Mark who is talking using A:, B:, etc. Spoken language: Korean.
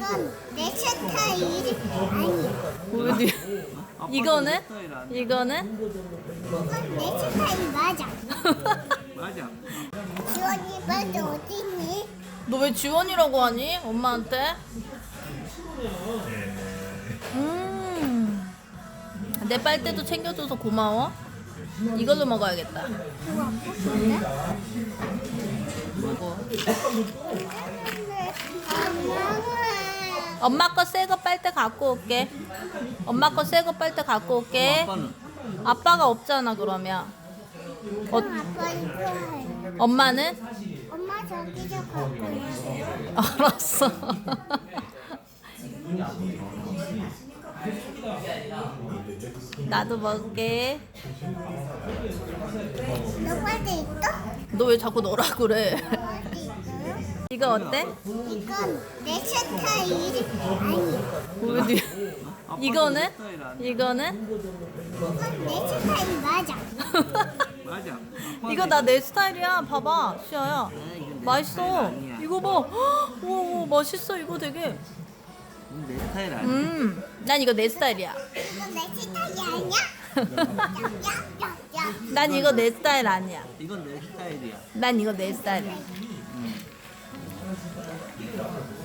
A: 이건 내 스타일이 아니야.
B: 어디? 이거는?
C: 스타일 아니야.
B: 이거는?
A: 이건 내 스타일 맞아.
C: 맞아.
A: 지원이 빨리 어디 있니?
B: 너 왜 지원이라고 하니? 엄마한테? 내 빨대도 챙겨줘서 고마워. 이걸로 먹어야겠다.
A: 이거 아팠는데?
B: 뭐.
A: 엄마가
B: 엄마 거 새 거 빨대 갖고 올게. 엄마 거 새 거 빨대 갖고 올게.
C: 아빠는
B: 아빠가 없잖아 그러면.
A: 아빠는 좋아해.
B: 엄마는?
A: 엄마 저기 저 갖고 있어.
B: 알았어. 나도 먹을게.
A: 너 빨리 있어?
B: 너 왜 자꾸 너라 그래?
A: 빨리 있어요?
B: 이거 어때?
A: 이건 내 스타일이 아니야.
B: 어디? 이거는?
C: 스타일 아니야.
B: 이거는?
A: 이건 내 스타일 맞아.
C: 맞아.
B: 이거 나 내 스타일이야. 봐봐, 시아야. 맛있어. 이거 봐. 헉, 우와, 맛있어. 이거 되게.
C: 내 스타일 아니야.
B: 난 이거 내 스타일이야.
A: 이건 내 스타일이 아니야. 야야야야.
B: 난 이거 내 스타일 아니야.
C: 이건 내 스타일이야.
B: 난 이거 내 스타일이야.